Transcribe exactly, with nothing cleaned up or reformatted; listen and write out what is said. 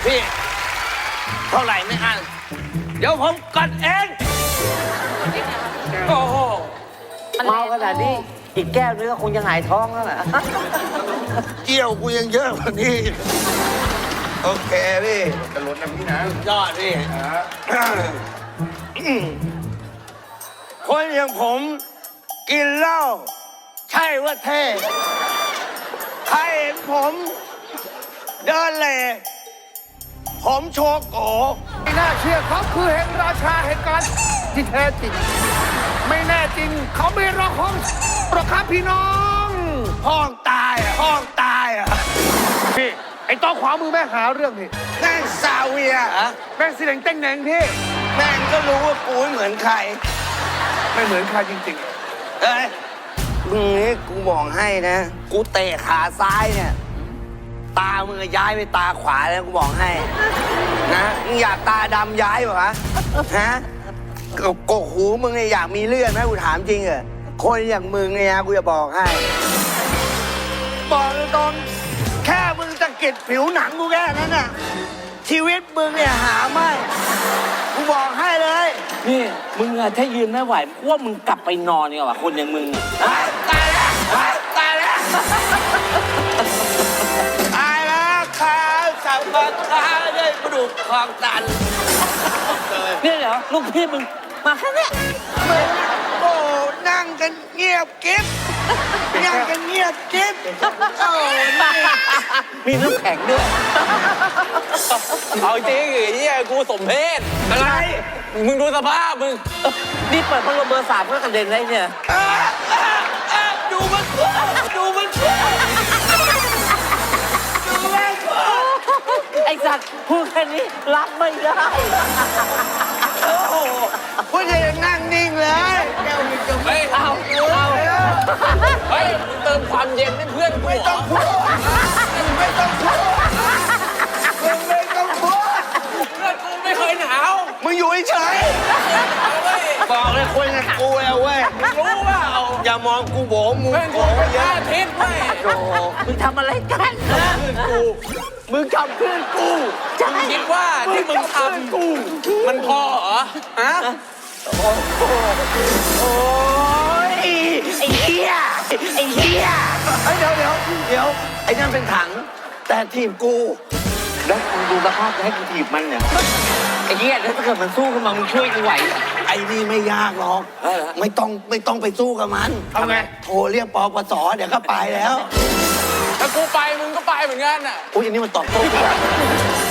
พี่เท่าไหร่ไม่อันเดี๋ยวผมกัดเองโอ้โหเมาขนาดนี้อีกแก้วนึงก็คงจะหงายท้องแล้วแหละเกี่ยวกูยังเยอะกว่านี้โอเคพี่จะลดนะพี่นะยอดพี่คนอย่างผมกินเหล้าใช่ว่าเท่ใครเห็นผมเดินเล่ผมโชโกไม่น่าเชื่อเขาคือแห่งราชาแห่งการที่แท้จริง ไม่แน่จริงเขาไม่รอของหรอกครับพี่น้องห้องตายอ่ะห้องตายอ่ะพี่ไอ้ต้อขวามือแม่หาเรื่องพี่แม่งซาเวียแม่งสิเหลงเต้งแหนงพี่แม่งก็รู้ว่ากูไม่เหมือนใครไม่เหมือนใครจริงเอ้ยมึงนี่กูบอกให้นะ กูเตะขาซ้ายเนี่ย ตามึงย้ายไปตาขวาแล้วกูบอกให้ นะมึงอยากตาดำย้ายเปล่าวะฮะกกหูมึงเนี่ยอยากมีเลือดไหมกูถามจริงเหรอคนอย่างมึงเนี่ยกูจะบอกให้ บอกตรงๆแค่มึงจะกิดผิวหนังกูแค่นั้นน่ะชีวิตมึงเนี่ยหาไม่กูบอกให้เลยนี่มึงอะถ้ายืนไม่ไหวพวกมึงกลับไปนอนดีกว่าคนอย่างมึงตายแล้วตายแล้วตายแล้วขาสับปะขาด้วยกระดูกคองตันเนี่ยเหรอลูกพี่มึงมาแค่เนี้ยโอ้นั่งกันเงียบกิ๊บนั่งกันเงียบกิ๊บโอ้นี่มีน้ำแข็งด้วยเอาจริงไอ้เหี้ยกูสมเพศอะไรมึงดูสภาพมึงนี่เปิดพัดลมเบอร์สามเพื่อกระเด็นได้เนี่ยอ่ะอ่ะอ่ะดูมันเพื่อดูมันเพื่อดูแม่งเพื่อไอ้สัตว์พูดแค่นี้รับไม่ได้โอ้โหคุณจะยังนั่งนิ่งเลยแก้วมีกาแฟเฮ้ยเอาเอาเฮ้ยมึงเติมความเย็นให้เพื่อนกูไม่เหรต้อองพูดไม่ต้องพูดมึงไม่ต้องพูดเพื่อนกูไม่เคยหนาวมึงอยู่เฉยเอาเว้ยๆบอกเลยคนอย่างกูเอาเว้ยรู้ว่าเอาอย่ามองกูโบมึงเพื่อนโบกูเป็นเยพระอะอาทิตย์เว้ยโอ้โหมึงทำอะไรกันนะมึงทำเพื่อนกูใช่มึงคิดว่าที่มึงทำมันพอเหรอฮะโอ้ยไอ้เหี้ยไอ้เหี้ยเฮ้ยเดี๋ยวเดี๋ยวเดี๋ยวไอ้นั่นเป็นถัง แต่ทีมกูแล้วมึงดูสภาพจะให้กูถีบมันเนี่ยไอ้เหี้ยแล้วถ้าเกิดมันสู้ขึ้นมามึงช่วยกูไหวไอ้นี่ไม่ยากหรอกไม่ต้องไม่ต้องไปสู้กับมันทำไงโทรเรียกปปสเดี๋ยวก็ไปแล้วถ้ากูไปมึงก็ไปเหมือนกันอ่ะอุ้ยอันนี้มันตอบโต้กู